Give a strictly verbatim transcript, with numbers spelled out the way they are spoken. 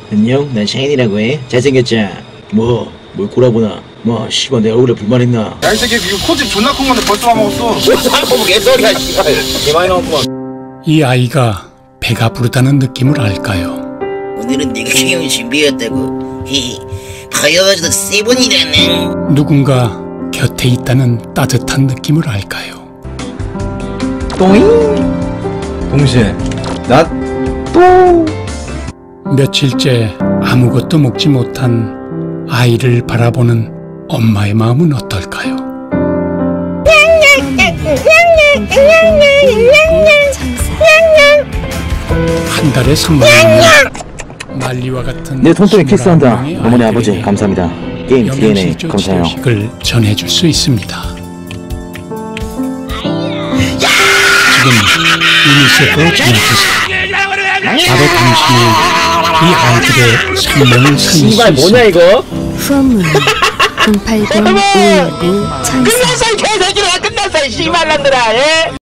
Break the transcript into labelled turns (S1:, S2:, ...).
S1: 안녕, 난 샤인이라고 해. 잘생겼자. 뭐, 뭘 꼬라보나. 뭐, 씨발 내 얼굴에 불만 있나.
S2: 야, 이 새끼 이거 코집 존나 큰 건데 벌써 와먹었어.
S1: 뭐 개소리야, 씨발. 개 많이 나왔구만.
S3: 이 아이가 배가 부르다는 느낌을 알까요?
S4: 오늘은 내가 형이 준비했다고. 히히. 가여가지고 세 번이라네.
S3: 누군가 곁에 있다는 따뜻한 느낌을 알까요?
S2: 똥이? 동시에 나 또.
S3: 며칠째 아무것도 먹지 못한 아이를 바라보는 엄마의 마음은 어떨까요? 한 달에 삼만 원 난리와 같은
S1: 내 손톱에 키스한다.
S3: 스물아홉 명의
S1: 어머니 아버지
S3: 아이들에게
S1: 감사합니다. 게임 디엔에이
S3: 영양실조
S1: 감사해요.
S3: 지식을 전해줄 수 있습니다. 지금 유니세프로 전화주세요. 바로 당신이 이 아이들의 생명을 살릴 수
S1: 씨발 뭐냐
S3: 있습니다.
S1: 이거?
S5: 후원문 공팔공 오일구 천사
S1: 끝났어 이 개새끼들아. 끝났어 이 씨발놈들아. 예?